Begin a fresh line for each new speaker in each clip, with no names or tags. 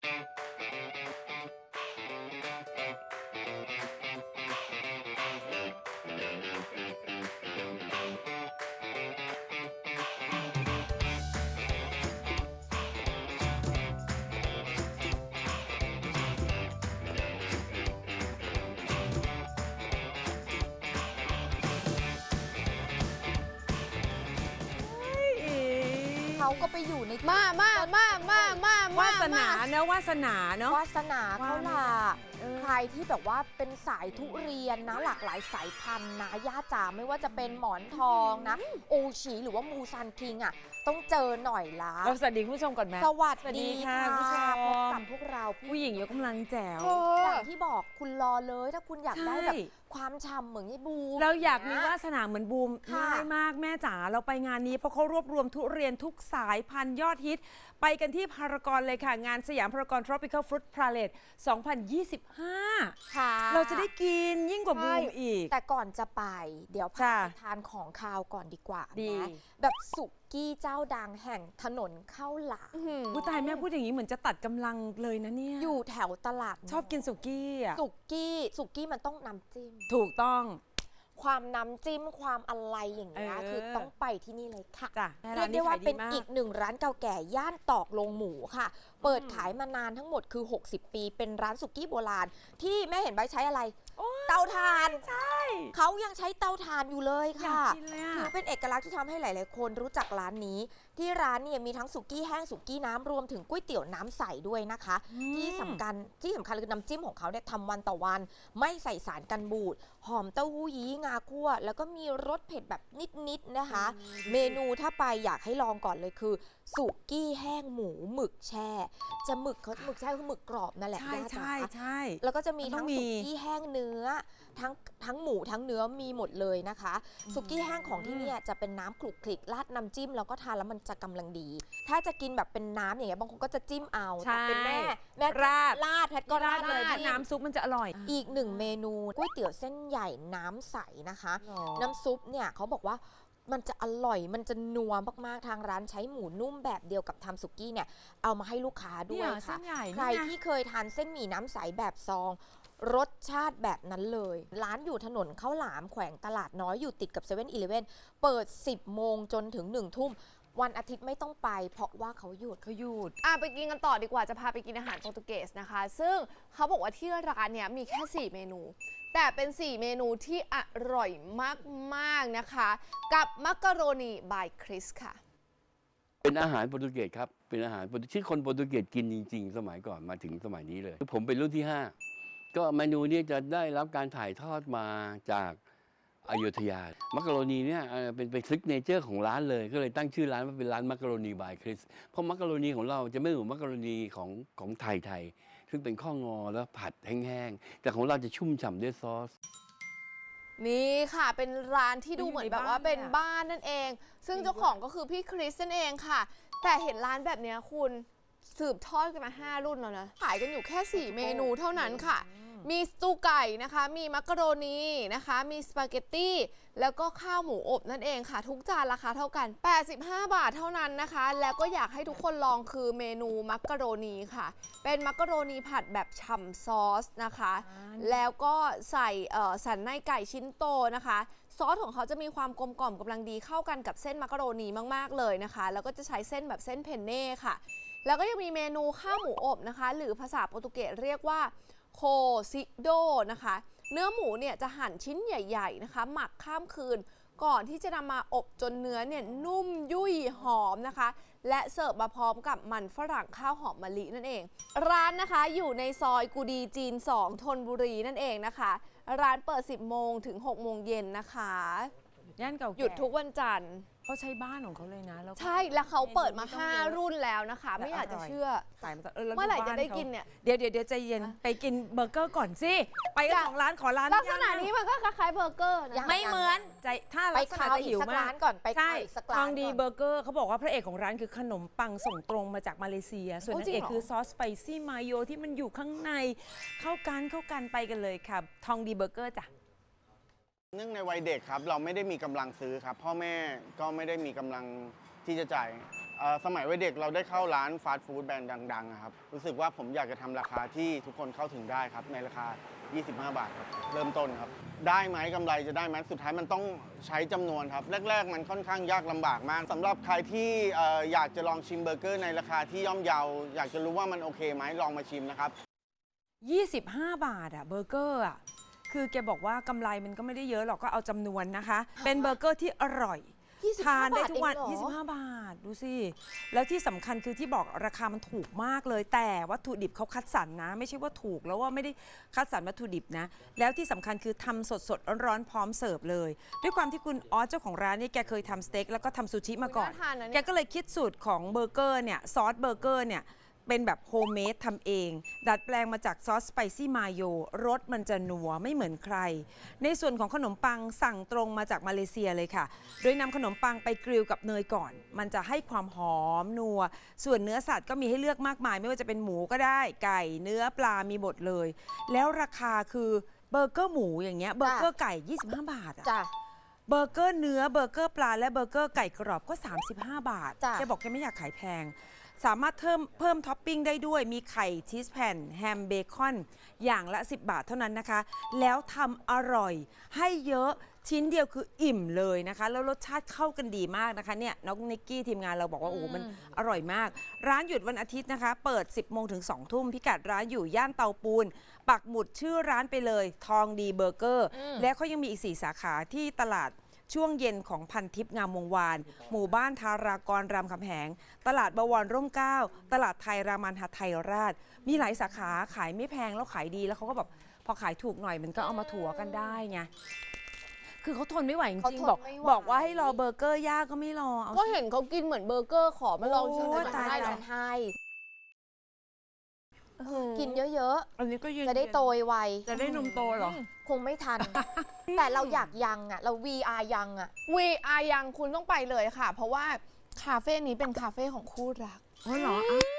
เขาก็ไปอยู่ใน
มาวาสนาเนอะวาสนาเนอะ
วาสนาเขาล่ะใครที่แบบว่าเป็นสายทุเรียนนะหลากหลายสายพันธุ์นะย่าจ๋าไม่ว่าจะเป็นหมอนทองนะโอชีหรือว่ามูซันคิงอ่ะต้องเจอหน่อยละ
สวัสดีคุณผู้ชมก่อนไหม
สวัสดี
ค่ะคุณผู้ชม
พบกับพวกเรา
ผู้หญิงยกกำลังแจ๋ว
อย่างที่บอกคุณรอเลยถ้าคุณอยากได้แบบความฉ่ำเหมือนยี่บูม
เราอยากมีวาสนาเหมือนบูม
ค่ะ
ง่ายมากแม่จ๋าเราไปงานนี้เพราะเขารวบรวมทุเรียนทุกสายพันธุ์ยอดฮิตไปกันที่พารากอนเลยค่ะงานสยามพารากอน Tropical Fruit Parade 2025
ค่ะ
เราจะได้กินยิ่งกว่าบูมอีก
แต่ก่อนจะไปเดี๋ยวพา
จ้ะ
ไปทานของคาวก่อนดีกว่า
ดี
นะแบบสุกี้เจ้าดังแห่งถนนข้าวหลาม
ผู้ตายแม่พูดอย่างนี้เหมือนจะตัดกำลังเลยนะเนี่ย
อยู่แถวตลาด
ชอบกินสุกี้อ่ะ
สุกี้มันต้องน้ำจิ้ม
ถูกต้อง
ความน้ำจิ้มความอะไรอย่างเงี้ย
เออ
คือต้องไปที่นี่เลยค่ะ
จ้ะ
เรียกได้ว่าเป็น
ร้
อีกหนึ่งร้านเก่าแก่ย่านตอกลงหมูค่ะ เปิดขายมานานทั้งหมดคือ 60 ปี เป็นร้านสุกี้โบราณ ที่แม่เห็นใบใช้อะไร เตาถ่าน
ใช่
เขายังใช้เตาถ่านอยู่เลย
อยาก
ค่ะ
กินเลยอะ
ถือเป็นเอกลักษณ์ที่ทำให้หลาย ๆ คนรู้จักร้านนี้ ที่ร้านเนี่ยมีทั้งสุกี้แห้งสุกี้น้ำรวมถึงก๋วยเตี๋ยวน้ำใสด้วยนะคะ ที่สำคัญคือน้ำจิ้มของเขาเนี่ยทำวันต่อวัน ไม่ใส่สารกันบูดหอมเต้าหู้ยี้งาคั่ว แล้วก็มีรสเผ็ดแบบนิด ๆ นะคะ เมนูถ้าไปอยากให้ลองก่อนเลยคือ สุกี้แห้งหมูหมึกแช่ จะหมึกแช่คือหมึกกรอบนั่นแหละ
ใช่
ย่าจ๋า
ใช่
แล้วก็จะมี
มันต้
ทั้
อง งมี
สุกี้แห้งเนื้อทั้งหมูทั้งเนื้อมีหมดเลยนะคะสุกี้แห้งของที่เนี่ยจะเป็นน้ำคลุกคลิกราดน้ำจิ้มแล้วก็ทานแล้วมันจะกำลังดี ถ้าจะกินแบบเป็นน้ำอย่างเงี้ยบางคนก็จะจิ้มเอาแต่เป็นแม่
ราด
แพทย์ก็ราดเลย
ถ้าน้ำซุปมันจะอร่อย
อีกหนึ่งเมนูก๋วยเตี๋ยวเส้นใหญ่น้ำใสนะคะ
หรอ
น้ำซุปเนี่ยเขาบอกว่ามันจะอร่อยมันจะนัวมากๆทางร้านใช้หมูนุ่มแบบเดียวกับทำสุกี้เนี่ยเอามาให้ลูกค้าด้วย
เนี่ยเส้
ค่ะ
นใหญ่
ใคร
นี่ไง
ที่เคยทานเส้นหมี่น้ำใสแบบซอง รสชาติแบบนั้นเลย ร้านอยู่ถนนข้าวหลามแขวงตลาดน้อยอยู่ติดกับ7 e เ e ่ e อเปิด 10 โมงจนถึง 1 ทุ่ม วันอาทิตย์ไม่ต้องไป เพราะว่าเขาหยุด
ไปกินกันต่อดีกว่าจะพาไปกินอาหารโปรตุเกสนะคะ ซึ่งเขาบอกว่าที่ร้านเนี้ยมีแค่ 4 เมนู แต่เป็น 4 เมนูที่อร่อยมากๆนะคะ กับมักกะโรนีบายคริสค่ะ
เป็นอาหารโปรตุเกสครับ เป็นอาหารที่คนโปรตุเกสกินจริงๆ สมัยก่อนมาถึงสมัยนี้เลย ผมเป็นรุ่นที่ 5 ก็เมนูนี้จะได้รับการถ่ายทอดมาจากอยุธยา มักกะโรนีเนี่ยเป็นซิกเนเจอร์ของร้านเลย ก็เลยตั้งชื่อร้านว่าเป็นร้านมักกะโรนีบายคริส เพราะมักกะโรนีของเราจะไม่เหมือนมักกะโรนีของไทยซึ่งเป็นข้องอแล้วผัดแห้งๆ แต่ของเราจะชุ่มฉ่ำด้วยซอส
นี่ค่ะเป็นร้านที่ดูเหมือนแบบว่าเป็น
บ้าน
บ้านนั่นเอง ซึ่งเจ้าของก็คือพี่คริสนั่นเองค่ะ แต่เห็นร้านแบบเนี้ยคุณสืบทอดกันมา5 รุ่นแล้วนะขายกันอยู่แค่ 4 เมนูเท่านั้นค่ะ มีสตูไก่นะคะ มีมักกะโรนีนะคะ มีสปาเกตตี้แล้วก็ข้าวหมูอบนั่นเองค่ะ ทุกจานราคาเท่ากัน 85 บาทเท่านั้นนะคะ แล้วก็อยากให้ทุกคนลองคือเมนูมักกะโรนีค่ะ เป็นมักกะโรนีผัดแบบฉ่ำซอสนะคะ แล้วก็ใส่สันในไก่ชิ้นโตนะคะ ซอสของเขาจะมีความกลมกล่อมกำลังดีเข้ากันกับเส้นมักกะโรนีมากๆเลยนะคะ แล้วก็จะใช้เส้นแบบเส้นเพนเน่ค่ะ แล้วก็ยังมีเมนูข้าวหมูอบนะคะ หรือภาษาโปรตุเกสเรียกว่าโคซิโดนะคะ เนื้อหมูเนี่ยจะหั่นชิ้นใหญ่ๆนะคะ หมักข้ามคืน ก่อนที่จะนำมาอบจนเนื้อเนี่ยนุ่มยุ่ยหอมนะคะ และเสิร์ฟมาพร้อมกับมันฝรั่งข้าวหอมมะลินั่นเอง ร้านนะคะอยู่ในซอยกูดีจีน 2 ธนบุรีนั่นเองนะคะ ร้านเปิด 10 โมงถึง 6 โมงเย็นนะคะ
ย่านเก่าแก่
หยุดทุกวันจันทร์
เขาใช้บ้านของเขาเลยนะแล้วก็
ใช่แล้วเขาเปิดมา
เมนูไม่ต้องเยอะ
5 รุ่นแล้วนะคะ ไม่อยากจะเชื่อ
ขายมาตลอดแล้ว
เมื่อไหร่
บ้า
จะได้
ขา
กินเนี่ย
เดี๋ยวใจเย็นไปกินเบอร์เกอร์ก่อนสิ ไปกัน2 ร้านขอร้าน
ลักษณะ
ย่ง
นี้มันก็คล้ายๆเบอร์เกอร์นะ
ไม่เหมือนใจถ้า
ไป
ลักษณะ
ข้าว
จะ
อี
หิ
ก
ว
สัก
มา
ร้าก นก่อนไป
ใช่
ข้าวอีกสัก
ท
ร้า
อน งดี
ก่อน
เบอร์เกอร์เขาบอกว่าพระเอกของร้านคือขนมปังส่งตรงมาจากมาเลเซีย ส่วนนางเอกคือซอสสไปซี่มายโยที่มันอยู่ข้างในเข้ากันไปกันเลยค่ะทองดีเบอร์เกอร์จ้ะ
เนื่องในวัยเด็กครับเราไม่ได้มีกำลังซื้อครับพ่อแม่ก็ไม่ได้มีกำลังที่จะจ่ายสมัยวัยเด็กเราได้เข้าร้านฟาสต์ฟู้ดแบรนด์ดังๆอะครับรู้สึกว่าผมอยากจะทำราคาที่ทุกคนเข้าถึงได้ครับในราคา 25 บาทครับเริ่มต้นครับได้ไหมกำไรจะได้ไหมสุดท้ายมันต้องใช้จำนวนครับแรกๆมันค่อนข้างยากลำบากมากสำหรับใครที่อยากจะลองชิมเบอร์เกอร์ในราคาที่ย่อมเยาอยากจะรู้ว่ามันโอเคไหมลองมาชิมนะครับ
25 บาทอะเบอร์เกอร์อะคือแกบอกว่ากำไรมันก็ไม่ได้เยอะหรอกก็เอาจำนวนนะคะ เป็นเบอร์เกอร์ที่อร่อย
25
ทานได้ทุกวัน
บาทเองเหรอ
25 บาท ดูสิ แล้วที่สำคัญคือที่บอกราคามันถูกมากเลย แต่วัตถุดิบเขาคัดสรรนะ ไม่ใช่ว่าถูกแล้วว่าไม่ได้คัดสรรวัตถุดิบนะ แล้วที่สำคัญคือทำสดๆร้อนๆพร้อมเสิร์ฟเลย ด้วยความที่คุณออสเจ้าของร้านเนี่ยแกเคยทำสเต็กแล้วก็ทำซูชิมาก่อน
น่าทานนะ
แก
เนี่ย
ก็เลยคิดสูตรของเบอร์เกอร์เนี่ยซอสเบอร์เกอร์เนี่ยเป็นแบบโฮมเมดทำเอง ดัดแปลงมาจากซอสสไปซี่มาโยรสมันจะนัวไม่เหมือนใคร ในส่วนของขนมปังสั่งตรงมาจากมาเลเซียเลยค่ะ โดยนำขนมปังไปกริลกับเนยก่อน มันจะให้ความหอมนัว ส่วนเนื้อสัตว์ก็มีให้เลือกมากมาย ไม่ว่าจะเป็นหมูก็ได้ไก่เนื้อปลามีหมดเลย แล้วราคาคือเบอร์เกอร์หมูอย่างเงี้ยเบอร์เกอร์ไก่ 25 บาทอะ
จ้ะ
เบอร์เกอร์เนื้อเบอร์เกอร์ปลาและเบอร์เกอร์ไก่กรอบก็ 35 บาท
จ้ะ
แกบอกแกไม่อยากขายแพง สามารถเพิ่มท็อปปิ้งได้ด้วยมีไข่ชีสแผ่นแฮมเบคอนอย่างละ 10 บาทเท่านั้นนะคะ แล้วทำอร่อยให้เยอะชิ้นเดียวคืออิ่มเลยนะคะ แล้วรสชาติเข้ากันดีมากนะคะเนี่ยน้องนิกกี้ทีมงานเราบอกว่าโอ้โหมันอร่อยมาก ร้านหยุดวันอาทิตย์นะคะ เปิด 10 โมงถึง 2 ทุ่มพิกัดร้านอยู่ย่านเตาปูน ปักหมุดชื่อร้านไปเลยทองดีเบอร์เกอร์และเขายังมีอีก 4 สาขาที่ตลาดช่วงเย็นของพันทิพย์งามวงวาน หมู่บ้านทารากรรามคำแหง ตลาดบวรร่มเกล้าตลาดไทยรามันหไทยราช มีหลายสาขาขายไม่แพงแล้วขายดีแล้วเขาก็แบบพอขายถูกหน่อยมันก็เอามาถัวกันได้ไงคือเขาทนไม่ไหวจ
เขา
ริง
ทน
ๆบอก
ไม่ไหว
บอกว่าให้รอเบอร์เกอร์ย่างก็ไม่รอเอา
ก็เห็นเขากินเหมือนเบอร์เกอร์ขอมาลองชิม
โอ้
หน่อย
ตาย
ได้เหร
ฉั
อน
ให้
อื้อหือ
กินเยอะ
อันนี้ก็ยืน
ๆ จะได้โตไว
จะได้นมโตเหรอ
คงไม่ทัน แต่เราอยากยังอ่ะ เรา VR ยังอ่ะ
VR ยังคุณต้องไปเลยค่ะ เพราะว่าคาเฟ่นี้เป็นคาเฟ่ของคู่รัก
อ๋อเหรอ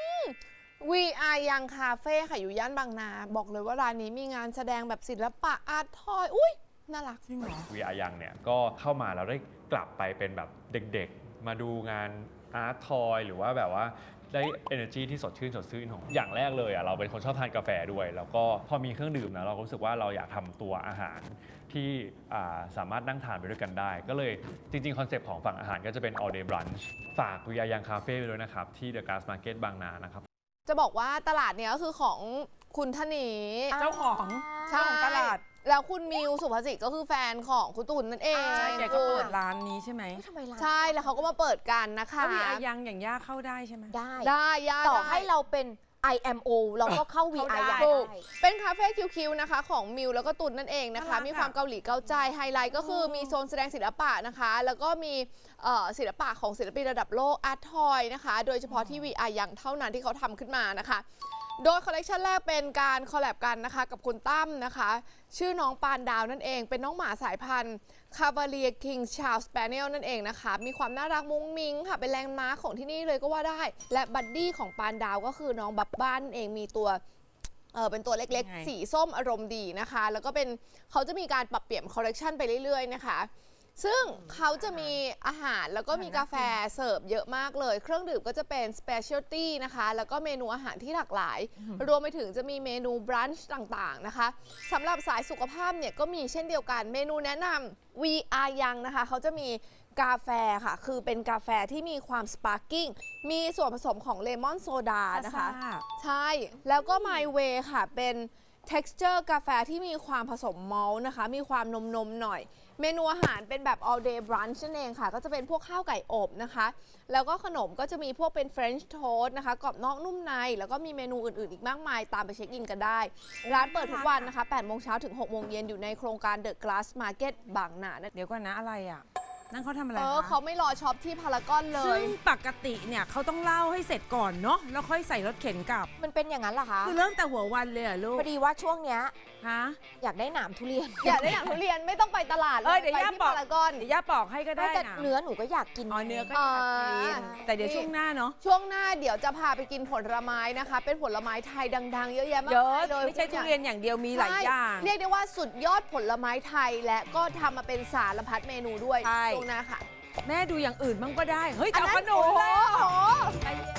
VR ยังคาเฟ่ค่ะอยู่ย่านบางนา บอกเลยว่าร้านนี้มีงานแสดงแบบศิลปะอาร์ตทอย อุ้ยน่ารัก
จริงเหรอ
VR ยังเนี่ยก็เข้ามาแล้วได้กลับไปเป็นแบบเด็กๆ มาดูงานอาร์ตทอยหรือว่าแบบว่าได้ energy ที่สดชื่นของอย่างแรกเลยอ่ะเราเป็นคนชอบทานกาแฟด้วย แล้วก็พอมีเครื่องดื่มนะเราก็รู้สึกว่าเราอยากทำตัวอาหารที่สามารถนั่งทานไปด้วยกันได้ ก็เลยจริงๆคอนเซปต์ของฝั่งอาหารก็จะเป็น all day brunch ฝาก VR ยังคาเฟ่ไปด้วยนะครับที่ The Glass Market บางนานะครับ
จะบอกว่าตลาดเนี้ยก็คือของคุณธนี
เจ้าของ
ใช่
เจ้าของตลาด
แล้วคุณมิวสุภาษิตก็คือแฟนของคุณตุ่นนั่นเอง
ใช่แกก็เปิดร้านนี้ใช่ไหม
เฮ้ยทำไมร้าน
ใช่แล้วเขาก็มาเปิดกันนะคะ
ถ้ามีอายังอย่างย่าเข้าได้ใช่ไหม
ได้
ได้ย่า
ต่อ
ได้
ให้เราเป็น IMO เราก็เข้า VR
ได้
ได้
ถูกเป็นคาเฟ่คิวๆนะคะของมิวแล้วก็ตุนนั่นเองนะคะ
น่ารักอะ
มีความเกาหลีเกาใจไฮไลท์ก็คือมีโซนแสดงศิลปะนะคะ แล้วก็มีศิลปะของศิลปินระดับโลกอาร์ตทอยนะคะ โดยเฉพาะที่ VR อย่างเท่านั้นที่เขาทำขึ้นมานะคะ โดยคอลเลกชันแรกเป็นการคอลแลบกันนะคะกับคุณตั้มนะคะ ชื่อน้องปานดาวนั่นเอง เป็นน้องหมาสายพันธุ์คา v าเลียคิงชา s สเปเนียลนั่นเองนะคะ มีความน่ารักมุ้งมิ้งค่ะ เป็นแลนด์มาร์คของที่นี่เลยก็ว่าได้ และบัดดี้ของปานดาวก็คือน้องบับบ้านนั่นเองมีตัวเป็นตัวเล็ก
ยังไง
ๆ สีส้มอารมณ์ดีนะคะ แล้วก็เป็นเขาจะมีการปรับเปลี่ยนคอลเลกชันไปเรื่อยๆนะคะ ซึ่งเขาจะมีอาหารแล้วก็มีกาแฟเสิร์ฟเยอะมากเลย เครื่องดื่มก็จะเป็น specialty นะคะ แล้วก็เมนูอาหารที่หลากหลาย รวมไปถึงจะมีเมนูบรันช์ต่างๆนะคะสำหรับสายสุขภาพเนี่ยก็มีเช่นเดียวกันเมนูแนะนำ VR ยังนะคะเขาจะมีกาแฟค่ะ คือเป็นกาแฟที่มีความสปาร์กิ้งมีส่วนผสมของเลมอนโซดานะคะ
ซ่า
ใช่ แล้วก็ My Way ค่ะ เป็น texture กาแฟที่มีความผสมมอลต์นะคะ มีความนมๆหน่อย เมนูอาหารเป็นแบบ all day brunch นั่นเองค่ะ ก็จะเป็นพวกข้าวไก่อบนะคะ แล้วก็ขนมก็จะมีพวกเป็น French toast นะคะ กรอบนอกนุ่มใน แล้วก็มีเมนูอื่นๆ อีกมากมาย ตามไปเช็คอินกันได้ ร้านเปิดทุกวันนะคะ 8 โมงเช้าถึง 6 โมงเย็นอยู่ในโครงการ The Glass Market บางนานั่น
เดี๋ยวก่อนนะอะไรอ่ะ นั่นเขาทำอะไร
เขา
คะ
ไม่รอช็อปที่พารากอนเล
ซึ่
ย
งปกติเนี่ยเขาต้องเล่าให้เสร็จก่อนเนาะแล้วค่อยใส่รถเข็นกลับ
มันเป็นอย่างนั้นเหรอคะ
คือเริ่มแต่หัววันเลยเหรอลูก
พอดีว่าช่วงเนี้ย
ฮะ
อยากได้หนามทุเรียน
อยากได้อย่างทุเรียนไม่ต้องไปตลาดเล
เอ้
ย
ยเดี๋ยว
ไป
ย่า
ที่
บอก
พารากอน
เดี๋ยวย่าปอกให้ก็ได้
แต่
นะ
เนื้อหนูก็อยากกิน
อ๋อเนื้อก็อยากกิน แต่เดี๋ยวช่วงหน้าเนาะ
ช่วงหน้าเดี๋ยวจะพาไปกินผลไม้นะคะ เป็นผลไม้ไทยดังๆ เยอะแยะมาก
เยอะ
มายเลย
ไม่ใช่ทุเรียนอย่างเดียวมีหลายอย่าง
ใช่เรียกได้ว่าสุดยอดผลไม้ไทยและก็ทำมาเป็นสารพัดเมนูด้วย
ใช่
ช่วงหน้าค่ะ
แม่ดูอย่างอื่นบ้างก็ได้ เฮ้ย
อัน
จะเอา
นั้น
ขนมเลย
โอ้โห
ใจเย็น